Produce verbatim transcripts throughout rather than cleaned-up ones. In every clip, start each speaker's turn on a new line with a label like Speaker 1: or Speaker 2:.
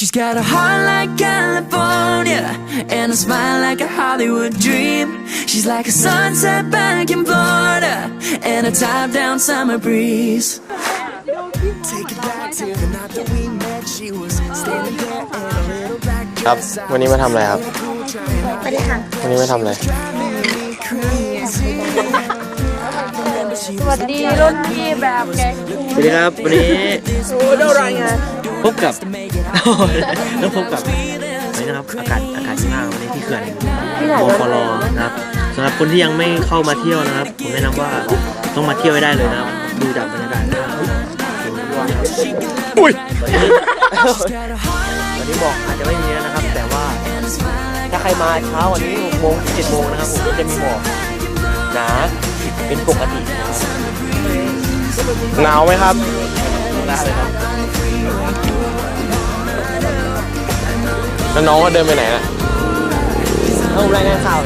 Speaker 1: She's got a heart like California and a smile like a Hollywood dream. She's like a sunset back in Florida and a top down summer breeze. Take it back to the night that we met. She was standing there in a little black dress.
Speaker 2: ครับวันนี้มาทำอะไรครับวันนี้มาทำอะไร
Speaker 3: สวัสดีรุ่นพี่แบบแก
Speaker 2: สวัสดีครับวันนี้
Speaker 3: โอ้ได้รายงาน
Speaker 2: พบกับแล้วพบกับวันนี้นะครับอากาศอากาศดีมากวันนี้ที่เขื่อนโมฟอลนะครับสำหรับคนที่ยังไม่เข้ามาเที่ยวนะครับผมแนะนำว่าต้องมาเที่ยวให้ได้เลยนะครับดูจากบรรยากาศอุ้ยวันนี้บอกอาจจะไม่มีแล้วนะครับแต่ว่าถ้าใครมาเช้าวันนี้หกโมงถึงเจ็ดโมงนะครับผมก็จะมีหมอกหนาเป็นปกติหนาวไหมครับหนาวเลยครับแล้วน้องก็เดินไปไหนล่ะเอารายงานข่าว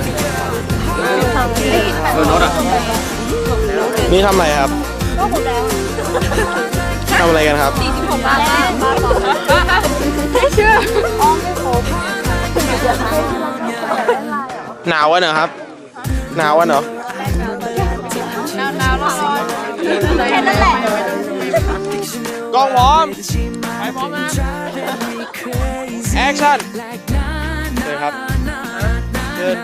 Speaker 2: โดนรถอ่ะนี่ทำอะไรครับทำอะไรกันครับสี่สิบหกบาทไม่เชื่อหนาววะเนอะครับหนาววะเนอะ
Speaker 3: หนาวหนาวร้อนแค่นั้นแหละ
Speaker 2: กล้องพร้อมไปพร้อมนะแอคชั่นเลยครับเดิน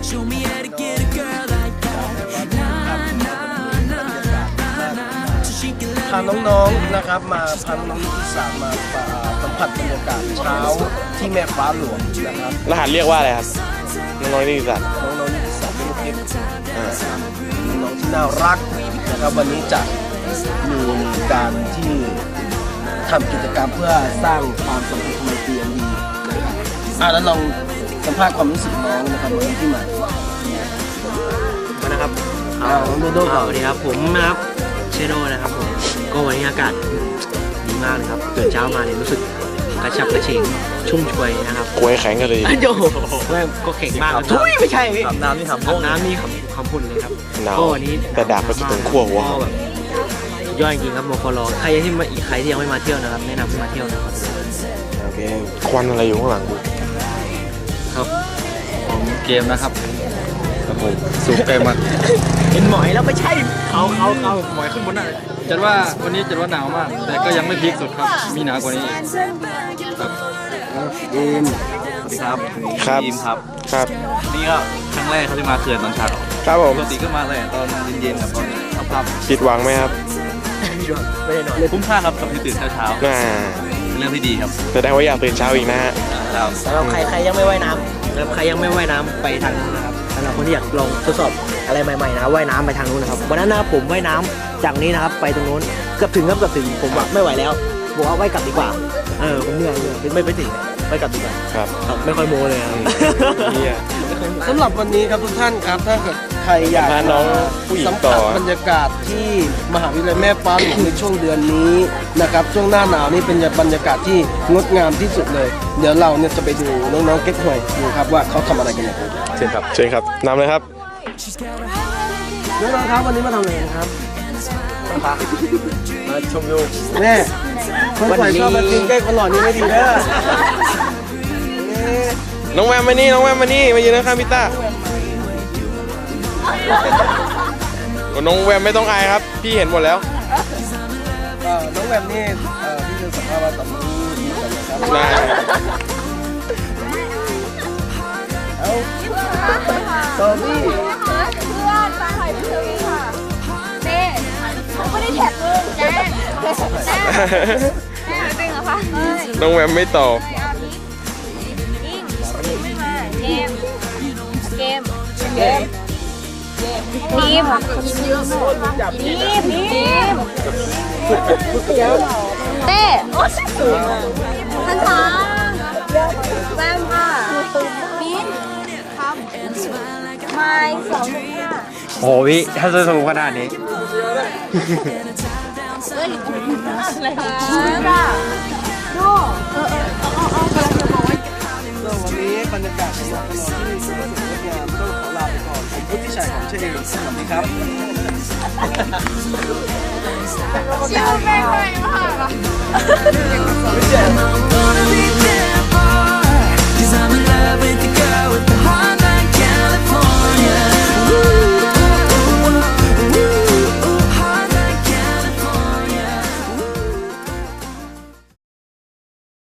Speaker 4: พาน้องๆนะครับมาพาน้องๆที่สามมาสัมผัสบรรยากาศเช้าที่แม่ฟ้าหลวงนะครับ
Speaker 2: รหัสเรียกว่าอะไรครับน้องๆนิติศาสตร์
Speaker 4: น้องๆนิติศาสตร์เป็นลูกเด็กน้องๆที่น่ารักนะครับวันนี้จะมีการที่ทำกิจกรรมเพื่อสร้างความสัมพันธ์ไมตรีอันดีนะครับอ่ะแล้วลองสัมภาษณ์ความรู้สึกน้องนะครับวันนี้ที่มา
Speaker 2: มานะครับ
Speaker 4: เอาโดโด้
Speaker 2: สวัสดีครับผมนะครับเชโดนะครับผมก็วันนี้อากาศดีมากเลยครับตื่นเช้ามาเนี่ยรู้สึกกระฉับกระเฉงชุ่มช่วยนะครับ
Speaker 4: กล้วยแข็งกันเลย
Speaker 2: โอ้โหก็แข็งมากทุยไม่ใช่
Speaker 4: อาบน้ำนี่ทำ
Speaker 2: อาบน้ำนี่คำพูดเลยครับก็วันนี้
Speaker 4: แต่ดาบก็จะถึงขั้วหัว
Speaker 2: แบบย่อยจริงครับโมฟอลใครที่มาอีกใครที่ยังไม่มาเที่ยวนะครับแนะนำให้มาเที่ยวนะครับ
Speaker 4: โอเคควันอะไรอยู่ข้างหลัง
Speaker 5: ครับผมเกมนะครับครับผมสูงไกลมาก
Speaker 2: เป็นหมอยแล้วไม่ใช่เขาเขาเขา
Speaker 5: หมอยขึ้นบนน่ะจัดว่าวันนี้จัดว่าหนาวมากแต่ก็ยังไม่พีคสุดครับมีหนาวกว่านี้ครับ
Speaker 4: ดีม
Speaker 5: ครับ
Speaker 4: ครับ
Speaker 5: ดีมครับ
Speaker 4: ครับ
Speaker 5: นี่ก็ครั้งแรกเขาที่มาเขื่อนตอนเช้า
Speaker 4: ครับผม
Speaker 5: ปกติก็มาเลยตอนเย็นๆกับตอนค่ำ
Speaker 4: ๆผิดหวังไหมครับ
Speaker 2: ไม่ได้นอน
Speaker 5: คุ้มค่าครับกับที่ตื่นเช้า
Speaker 4: ๆน่า
Speaker 5: เป็นเรื่องที่ดีครับ
Speaker 4: แสดงว่าอยากตื่นเช้าอีกนะฮะ
Speaker 2: สำหรับใครใครยังไม่ว่ายน้ำนะครับใครยังไม่ว่ายน้ำไปทางนู้นนะครับสำหรับคนที่อยากลองทดสอบอะไรใหม่ๆนะว่ายน้ำไปทางนู้นนะครับวันนั้นนะผมว่ายน้ำจากนี้นะครับไปตรงนู้นเกือบถึงครับเกือบถึงผมว่าไม่ไหวแล้วบอกว่าว่ายกลับดีกว่าเออผมเหนื่อยเหนื่อยไม่ไปถึงว่ายกลับดีกว่า
Speaker 4: ครับ
Speaker 2: ไม่ค่อยโม้เลยครับ
Speaker 4: สำหรับวันนี้ครับทุกท่านครับถ้าเกิดใครอยากน้องสัมผัสบรรยากาศที่มหาวิทยาลัยแม่ฟ้าหลวงในช่วงเดือนนี้นะครับช่วงหน้าหนาวนี่เป็นบรรยากาศที่งดงามที่สุดเลยเดี๋ยวเราเนี่ยจะไปดูน้องๆเก็ตหวยดูครับว่าเขาทำอะไรกันอย่างไร
Speaker 2: เชิญครับ
Speaker 4: เชิญครับนำเลยครับน้องๆครับวันนี้มาทำอะไรครับ
Speaker 2: มาชมวิว
Speaker 4: แม่คนสวยชอบมากินใกล้คนหล่อนี่ไม่ดีเด้อ
Speaker 2: น้องแวมมานี่น้องแวมมานี่มายืนข้างพี่ต้าน้องแวมไม่ต้องอายครับพี่เห็นหมดแล้ว
Speaker 4: น้องแวมนี่พี่จะสัมภาษณ์ว่าตอนนี้มีกันนะครับ
Speaker 2: ได้
Speaker 4: เอาโซบี้
Speaker 3: เพื่อนตาหอยพี่โซบี้ค่ะเต้เขาไม่ได้แท็กเลยแจ๊แจ๊จริงเหรอคะ
Speaker 2: น้องแวมไม่ตอบ
Speaker 3: เกมเกมเกมทีมทีมทีมเต้ทันทาแวมค่ะบินครับไม้สองห้า
Speaker 2: โอ้พี่ถ้าจะสรุปขนาดนี้
Speaker 3: เฮ้ยอะไรค่ะโน่เออเออเอาเอาเอากำลังจะบอกว่า
Speaker 4: วันนี้บรรยากาศที่สวนสนุกที่สวยงามต้องขอลาไปก่อนผมพุทธิชัยของเชนสวัสดีครับ
Speaker 3: ชื่อแม่งเลยมากอ่ะ